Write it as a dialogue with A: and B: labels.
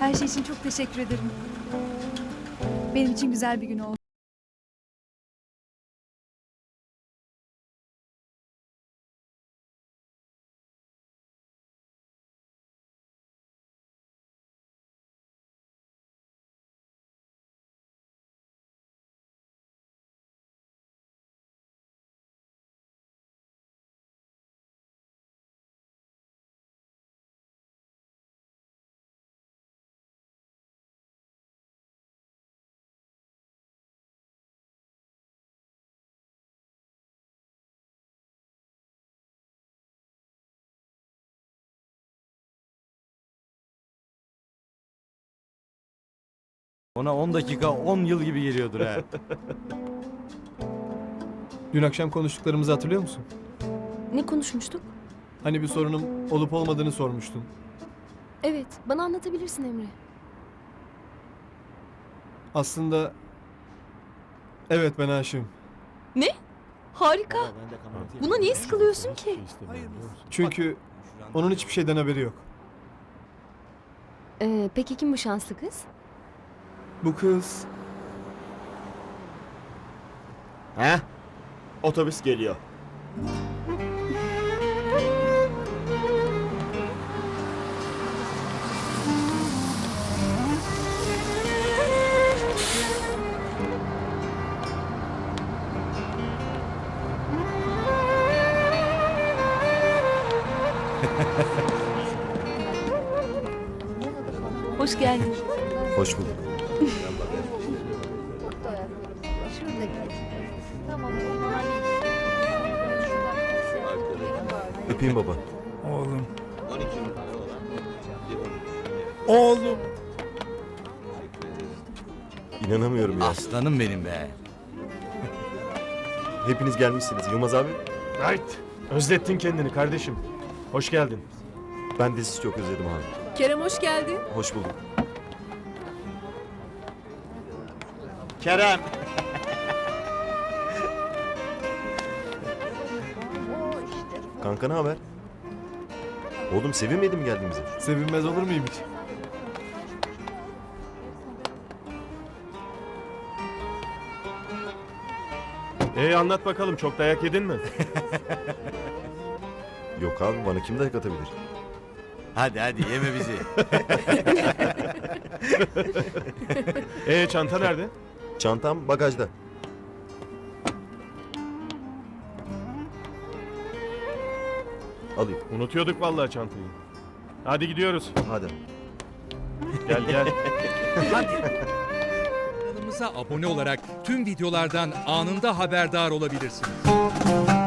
A: Her şey için çok teşekkür ederim. Benim için güzel bir gün oldu.
B: Ona 10 dakika 10 yıl gibi geliyordur ha.
C: Dün akşam konuştuklarımızı hatırlıyor musun?
D: Ne konuşmuştuk?
C: Hani bir sorunum olup olmadığını sormuştun.
D: Evet, bana anlatabilirsin Emre.
C: Aslında... Evet, ben aşığım.
D: Ne? Harika. Buna niye sıkılıyorsun ki?
C: Çünkü onun hiçbir şeyden haberi yok.
D: Peki kim bu şanslı kız?
C: Bu kız...
E: He? Otobüs geliyor.
D: Hoş geldin.
E: Hoş bulduk. Öpeyim baba.
B: Oğlum. Oğlum.
E: İnanamıyorum ya.
B: Aslanım benim be.
E: Hepiniz gelmişsiniz. Yılmaz abi,
F: Right. Özlettin kendini kardeşim. Hoş geldin.
E: ben de sizi çok özledim abi.
D: Kerem hoş geldin.
E: Hoş bulduk. Kerem. Kanka ne haber? Oğlum sevinmedi mi geldiğimize?
C: Sevinmez olur muyum hiç?
F: Anlat bakalım, çok dayak yedin mi?
E: Yok abi, bana kim dayak atabilir?
B: Hadi hadi yeme bizi.
F: Çanta nerede?
E: Çantam bagajda. Alayım.
F: Unutuyorduk vallahi çantayı. Hadi gidiyoruz.
E: Hadi.
F: Gel gel.
G: Kanalımıza abone olarak tüm videolardan anında haberdar olabilirsiniz.